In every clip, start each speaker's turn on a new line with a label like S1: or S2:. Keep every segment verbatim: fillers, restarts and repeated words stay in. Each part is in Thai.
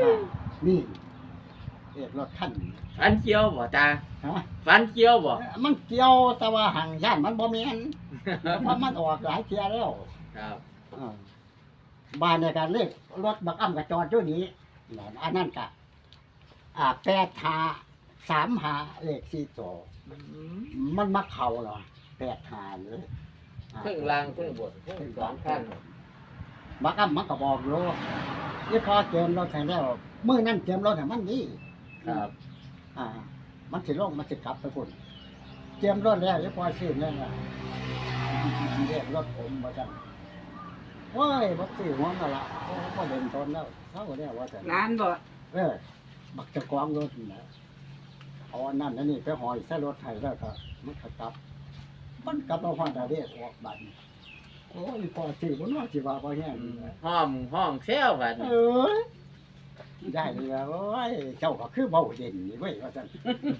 S1: นี่เรียกรถคันนี้
S2: ฝันเกี่ยวบ่ตา
S1: ฮะ
S2: ฝันเกี่ยวบ่
S1: มันเกี่ยวแต่ว่าห่างย่านมันบ่แม่นเพราะมันออกหลายเที่ยแล้ว
S2: ครับ
S1: เออบ้านในการเลขรถบักอ้ำกับจอดอยู่นี้นั่นอันนั้นก็อ่าแปดหาสามหาเลขสี่ตัว
S2: อืม
S1: มันมาเข้าเหรอแปดหาเลยอ่า
S2: เพิ่งล่างเพิ่งบนเพิ่งสองข้าง
S1: บักอ้ำมันก็บอกอยู่นี่พอเกมรถแข่งแล้วมื้อนั้นเกมรถให้มันดี
S2: ครับ
S1: อ่า มันสิลงมันสิกลับไปพุ่นเกมรถแล้วยังพอซื้อนั่นน่ะเรียกรถผมว่าจังโอ้ยบักซื้อหัวมาละโอ้บ่เดินทนแล้วเท่าแล้วว่าจัง
S3: ร้านบ่
S1: เออบักเจะกองรถนี่นะเอาอันนั้นอันนี้ไปหอยใส่รถไถแล้วก็มันก็กลับ มันกลับมาฮอดได้เรียกออกบัดนี้โอ้ยพอซื้อบ่เนาะสิว่าบ่แห้ง
S2: อื
S1: นี่
S2: ม
S1: นะ
S2: ห้อมห้องเซลบัด
S1: เอ
S2: นี้
S1: อได้เลยโอ้ยเจ้าก็คือเบาเด่นนี่เว้ยว่าซั่น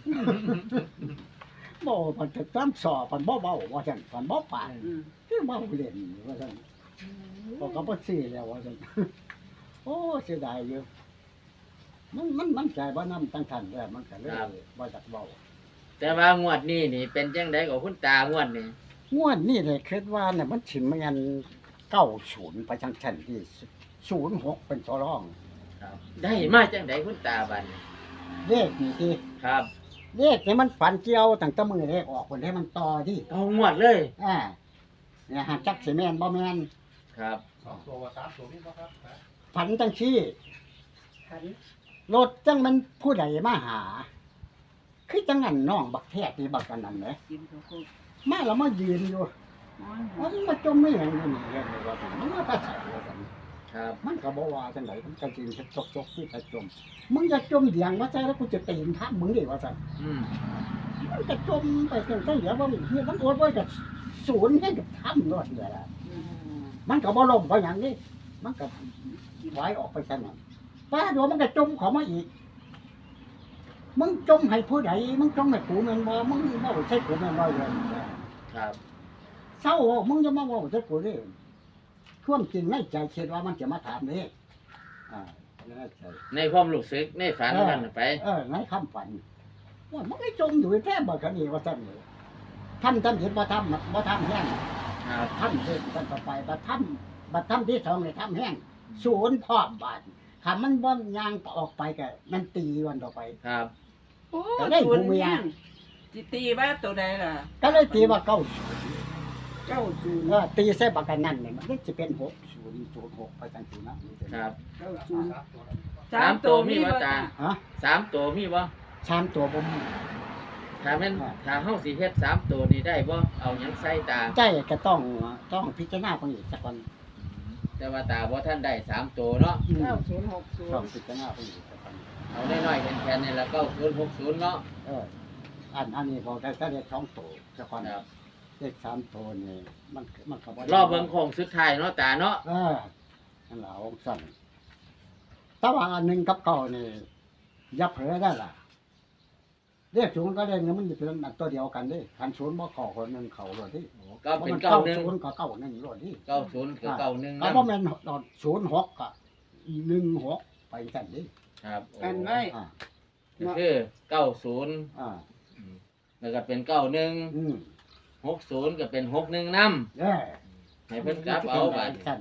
S1: บ่มันจะตามสอบมันบ่เบาว่าซั่นมันบ่ปาน
S3: อืม
S1: คือเบาเล่นว่าซั่นก็ก็บ่ซื้อแล้วว่าซั่น โอ้เสียดายอยู่มันมันมันใจบ่นำตั้งทันแล้วมันก็เลยบ่จักเว้า
S2: แต่ว่างวดนี้นี่เป็นจังไดกับคุณตางวดนี้
S1: งวดนี้เลยคิดว่าเนี่ยมันสิแม่นเก้าศูนย์ไปจังซั่นที่ศูนย์หกเป็นตัวรอง
S2: ครับ ได้มาจังไดคุณตาบัดนี้
S1: เลขนี่ที่
S2: ครับ
S1: เลขนี่มันฝันเกี่ยวตั้งแต่มื้อเลขออกคนให้มันต่อที่
S2: เอางวดเลย
S1: อ่าเนี่ยหาจักสิแม่นบ่แม่น
S2: ครับ
S4: สองตัวสามตัวนี่บ่ครับ
S1: ฝันจังซี่
S3: ขัน
S1: รถจังมันผู้ใดมาหา คือจังนั้นน้องบักแทกนี่บักอันนั้นแหละ
S3: กินข้าวโพด
S1: มาแล้วมายืนอยู่
S3: นอนหัว
S1: มันมาจมไม่หยังอยู่นี่เลยว่าซั่นมันมาแตาใส่ว่าซั่น
S2: ครับ
S1: มันก็บ่ว่าจังไดมันก็สิจกจกๆที่ไปจมมึงจะจมเดียงว่าใจแล้วกูจะตีนทับมึงดิว่าซั่น
S2: อืม
S1: มันก็จมไปจังซั่นเดี๋ยวว่าเฮียมันโอดไว้กับศูนย์ให้กับถ้ำรถเดียวล่ะ
S3: อืม
S1: มันก็บ่ล่มเพราะหยังนี่มันก็ไหวออกไปซั่นน่ะป้าดูมันก็จมเข้ามาอีก มึงจมให้ผู้ใดมึงจมให้กูแม่นบ่มึงเว้าใส่กูแม่นบ่เลย
S2: ครับ
S1: เศร้ามึงจะมาเว้าใส่กูเด้ความจริงในใจคิดว่ามันจะมาถามเด้อ่าในใจ
S2: ในความรู้สึกในฝันนั่นน่ะไป
S1: เออในคำฝันว่ามันไม่จมอยู่แท้บ่คันนี้ว่าซั่นเลยทำทำเห็นบ่ทำบ่ทำแห้ง
S2: ครับ
S1: ทำเห็นกันต่อไปบ่ทำบ่ทำที่สองเลยทำแห้งศูนย์พร้อมบาดถ้ามันบ่ยางออกไปก็มันตีวันต่อไป
S2: ครับ
S3: โอ้
S1: ก็ได้
S3: ศูนย์
S1: หูเมีย
S3: ยังสิตีว่าตัวใดล่ะ
S1: ก็เลยตีว่าเก้า
S3: เก้าศูนย์
S1: เออตีใส่บักกันนั่นนี่มันก็จะเป็นหกศูนย์ศูนย์หกไปจังซี่นะครับ
S3: เก้าศูนย์
S2: สามตัวมีบ่ตา
S1: ฮะ
S2: สามตัวมีบ่
S1: สามตัวผม
S2: ถ้าแม่นถ้าเฮาสิเฮ็ดสามตัวนี่ได้บ่เอาหยังใส่ตา
S1: ใจก็ต้องต้องพิจารณาเพิ่นอีกสักวัน
S2: แต่ว่าตาบ่ท่านได้สามตัวเนาะ
S1: อืม
S3: เก้าศูนย์หกศูน
S1: ต้อง
S3: ย์
S1: พิจารณาเพิ่นอีกสักวัน
S2: เอาน้อยๆแค่ๆนี่ละเก้าศูนย์หกศูนย์เนาะ
S1: เอออันอันนี้พอได้ก็ได้สองตัวสักวัน
S2: ครับ
S1: เลขสามตัวนี่มันมันก็บ่ได้
S2: รอเบิ่งโค้งสุดท้ายเนาะตาเนาะ
S1: เออนั่นล่ะองสั่นแต่ว่าอันหนึงกับเก่านี่อย่าเผลอได้ล่ะเลขศูนย์ก็เลขนี้มันจะเป็นอันตัวเดียวกันเด้คันศูนย์บ่เข้าคนหนึงเข้าโลดที่
S2: ก็เป็น
S1: มัน
S2: เก้าหนึ่ง
S1: ศูนย์ก็เก้าหนึ่งโลดที่
S2: เก้าศูนย์คือเก้าหนึ่ง
S1: ถ้า
S2: นะ
S1: บ่แม่นศูนย์หกก็หนึ่งหกไปสั่นดิ
S2: ครับ
S3: กันไว้
S1: อ่า
S2: ก็คือเก้าศูนย์
S1: อ่า
S2: แล้วก็เป็นเก้าหนึ่ง
S1: อืม
S2: หกศูนย์ก็เป็นหกหนึ่งน
S1: เด้อ
S2: ำให้เพิ่นกลับเอาบัด
S1: สั่น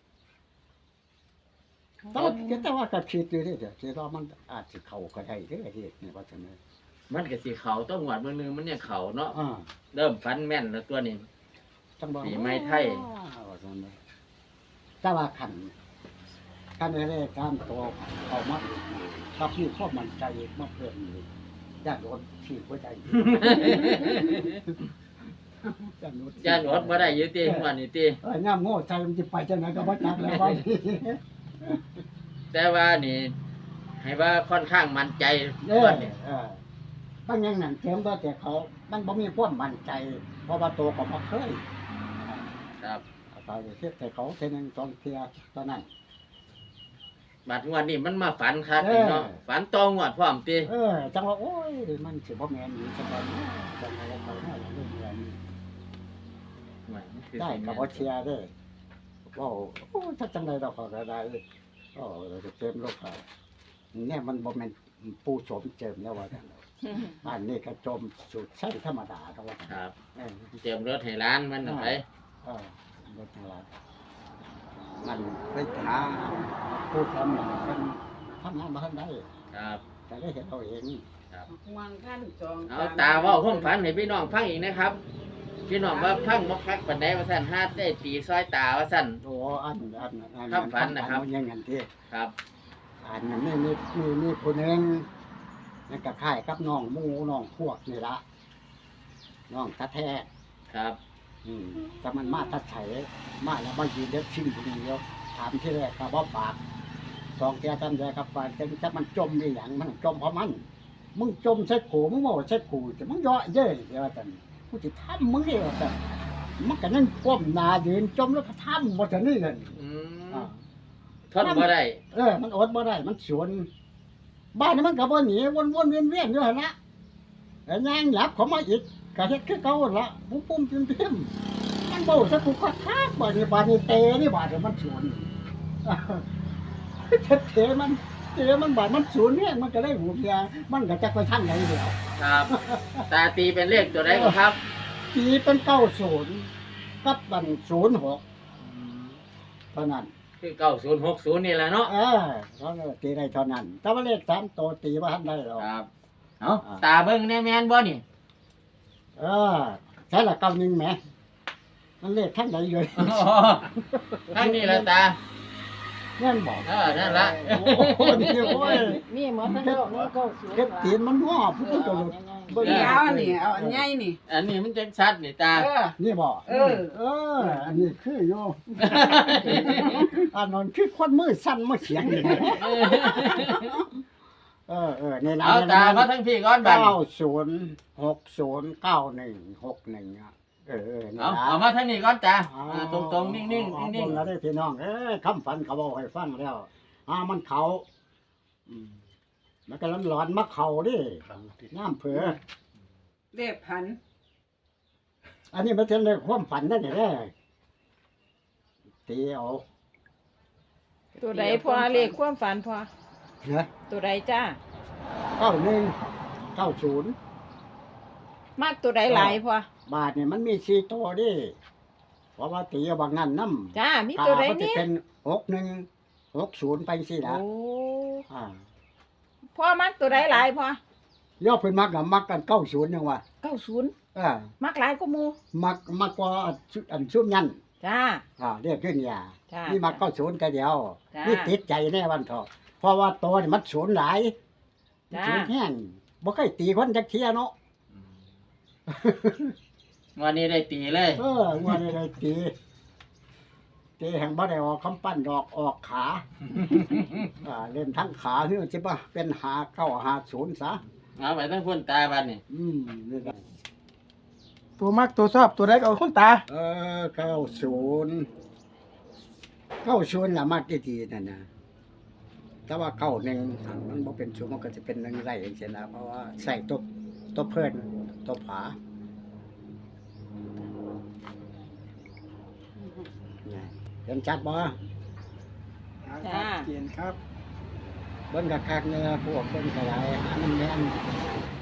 S1: แต่ว่าแต่ว่าก็คิดอยู่เด้อเดี๋ยวคิดว่ามันอาจสิเข้าก็ได้เด้อเฮ็ดนี่ว่าซั่นเด้อ
S2: มันก็สิเขาต้องหวดมือนึงมันเนี่ยเขาเนาะ
S1: อ่า
S2: เริ่มฟันแม่นแล้วตัวนี้
S1: จังบ่
S2: ปีใหม่ไทย
S1: ว่าซั่นเด้อแต่ว่าคันคันได้การตัวเอามาถ้าพี่ความมั่นใจมาเพิ่มนี่ญาติโยมที่หัวใจญาติโยม
S2: ย่านอดบ่ได้อยู่ติหัวนี่ติ
S1: เอ้ยน้ำโง่ใจมันจะไปจังไหนก็บ่จักแล้วว่านี่
S2: แต่ว่านี่ ให้ว่าค่อนข้างมั่นใจ
S1: เอ
S2: หัว
S1: อ
S2: นี่
S1: เออบางอย่างนั่นเตรียมตัวแต่เขา มันบ่มีความมั่นใจ เพราะว่าตัวก็บ่เคย
S2: ครับ
S1: เอาไปเทียบแต่เขาเทียหนึงสองเทียตอนนั้น
S2: บัดงวดนี้มันมาฝันคักนี่เนาะ
S1: เออ
S2: ฝันตองวดพร้อมติ
S1: เออ จังว่าโอ้ยมันสิบ่แม่นอีกจังว่าจังว่าเขาเฮาเรื่องเงิน
S2: หวยมันคือ
S1: ได้
S2: สิ
S1: ก็
S2: แม่น
S1: บ่เชียร์เด้อเว้าโอ้ถ้าจังได๋เราก็ได้โอ้เราจะเต็มโลกค่ะเนี่ยมันบ่แม่นปูโสมเจิมแล้วว่าจังบ้านนี้ก็จมสูตรใช้ธรรมดาก็ว่าจัง
S2: ครับ
S1: เออ
S2: เตรียมรถให้ร้านมันน่ะไป
S1: เออรถทางร้านมันไปหาผู้ทำมันเพิ่นทำงานมาทันได้
S2: ครับ
S1: แต่ได้เห็นเอาเอง
S3: วางขั้นจอง
S2: เอาตาเว่าความฝันให้พี่น้องฟังอีกนะครับ พี่น้องว่าพังบ่คักปานใดว่าซั่นฮาดได้ตีซอยตาว่าซั่น
S1: โอ้อันอันอัน
S2: ความฝันนะครับ
S1: อัยังงั้นที่
S2: ครับ
S1: อันนั้นนี่นี่นี่นี่ผู้หนึงนั่นก็คล้ายกับน้องหมูน้องพวกนี่ละน้องตาแท้
S2: ครับ
S1: อืมแต่มันมาทัดไถมาแล้วมายืนเด็กชิมคนเดียวถามที่แรกก็บ่ปากสองแกทำใจกับปากจังจักมันจมอีหยังมันจมเพราะมัน มึงจมใส่กูมึงบอกใส่กูแต่มึงเยาะเย้ยเดี๋ยวจันกูจะทำมึงเดียวจันมันก็นั่งก้มหน้ายืนจมแล้วก็ทำบ่ทันนี่กัน
S2: อืม
S1: อ่า
S2: ทนบ่ได้
S1: เออมันอดบ่ได้มันสวนบ้านนี้มันก็บ่หนีวนๆเวียนๆอยู่หั่นละแล้วย่างหยับเขามาอีกก็เฮ็ดคือเก่าหั่นละปุ้มปุ้มๆพิมๆมันบ่สักกูก็ทักบ่นี่บ้านนี้เตนี่บ้านนี้มันสวนเทเทมันเทมันบ้านมันสวนเนี่ยมันก็ได้หูเพียมันก็จักไปทางไหนเดียว
S2: ครับ ตาตีเป็นเลขตัวใดก็ครับ
S1: ตีเป็นเก้าศูนย์กับบันศูนย์หกเท่านั้น
S2: คือเก้าศูนย์หกศูนย์นี่แหละเนาะ
S1: เออเขาเลยตีได้เท่านั้นแต่ว่าเลขสามตัวตีว่าทันได้หรอก
S2: ครับ เอาตาเบิ่งแน่แม่นบ่นี่
S1: เออใช่ละเก้าหนึ่งแหมมันเลขทั้งไหนเลย
S2: อ๋อทางนี้ละตา
S1: เงี้ยบอก
S2: เออนั่นละ
S1: โอ้โหนี่โอ้ย
S3: มีหมดทั้งโลกมีเก้าศูนย์
S1: เก็บตีนมันง้อผู้ตัวหลุด
S3: บ่มีเอาอันนี้เอาอันใหญ่นี่
S2: อันนี้มันจังชัดนี่ตา
S3: เออ
S1: นี่บอก
S3: เออ
S1: เออ อันนี้คือโยอันนั้นคือคนมือสั้นมือเสียงนี่เออเออในนั้น
S2: เอาตามาทั้งพี่ก่อนบัด
S1: เก้าศูนย์หกศูนย์เก้าหนึ่งหกหนึ่งอ่ะเออเออนี่
S2: เอา
S1: นะ
S2: เอามาทั้งนี้ก่อนตา
S1: อ๋อ
S2: อ่าตรงๆนิ่งๆนิ่ง
S1: ๆแล้วได้พี่น้องเอ้ยคำฝันเขาบอกให้ฟังแล้วอ่ามันเขาอืมมันก็ร้อนๆมาเขาดิน้ำเผือ
S3: เลขพัน
S1: อันนี้มันเป็นเรื่องความฝันนั่นแหละตีเอา
S5: ตัวใดพอเลขความฝันพอ
S1: เนาะ
S5: ตัวใดจ้า
S1: เก้าหนึ่งเก้าศูนย์
S5: มากตัวใดหลายพอบ
S1: าทเนี่ยมันมีสี่ตัวดิเพราะว่าตีเอาบางนั้นน้ำ
S5: จ้ามีตัวใด
S1: มันจะ
S5: นี่
S1: เป็นหกหนึ่งหกศูนย์ไปสิละ
S5: โอ้
S1: อ่า
S5: พ่อมักตัวใดหลายพอย่
S1: อเพิ่นมักกับมักกันเก้าศูนย์ยังว่า
S5: เก้าศูนย์
S1: อ่า
S5: มักหลายก็มู
S1: มักมักกว่าชุอันชุ่มยัน
S5: จ้า
S1: อ่าเรียกขึ้นยา
S5: จ้า
S1: นี่มักเก้าศูนย์กันเดียว
S5: จ้า
S1: นี่ติดใจแน่วันเถอะเพราะว่าตัวนี่มันศูนย์หลาย
S5: จ้า
S1: ศูนย์แห้งบ่เคยตีคนจักเที่ยเนาะ
S2: ๆวันนี้ได้ตีเลย
S1: เออว่าได้ได้ตีตีแห่งบ่ได้ออกคำปั้นดอกออกขา อ่าเล่นทั้งขาคือสิบ่ะเป็นหาเก้าหาศูนย์ซะ
S2: เอาไปทั้งพุ่นตาบัดนี่
S1: อืมนี่ก็
S6: ตัวมักตัวชอบตัวใดก็เอาคุณตา
S1: เออเก้าศูนย์เก้าศูนย์ละมากที่ทีนั่นนะแต่ว่าเก้าหนึ่งมันบ่เป็นศูนย์มันก็จะเป็นหนึ่งไรอย่างเช่นนะเพราะว่าใส่ตัวตัวเพิ่นตัวผาเนี่ยเห็นชัดบ่
S5: จ้า
S6: เกียนครับ
S1: เบิ่งกะคักเนี่ยพวกเบิ่งกะไรหามันแม่น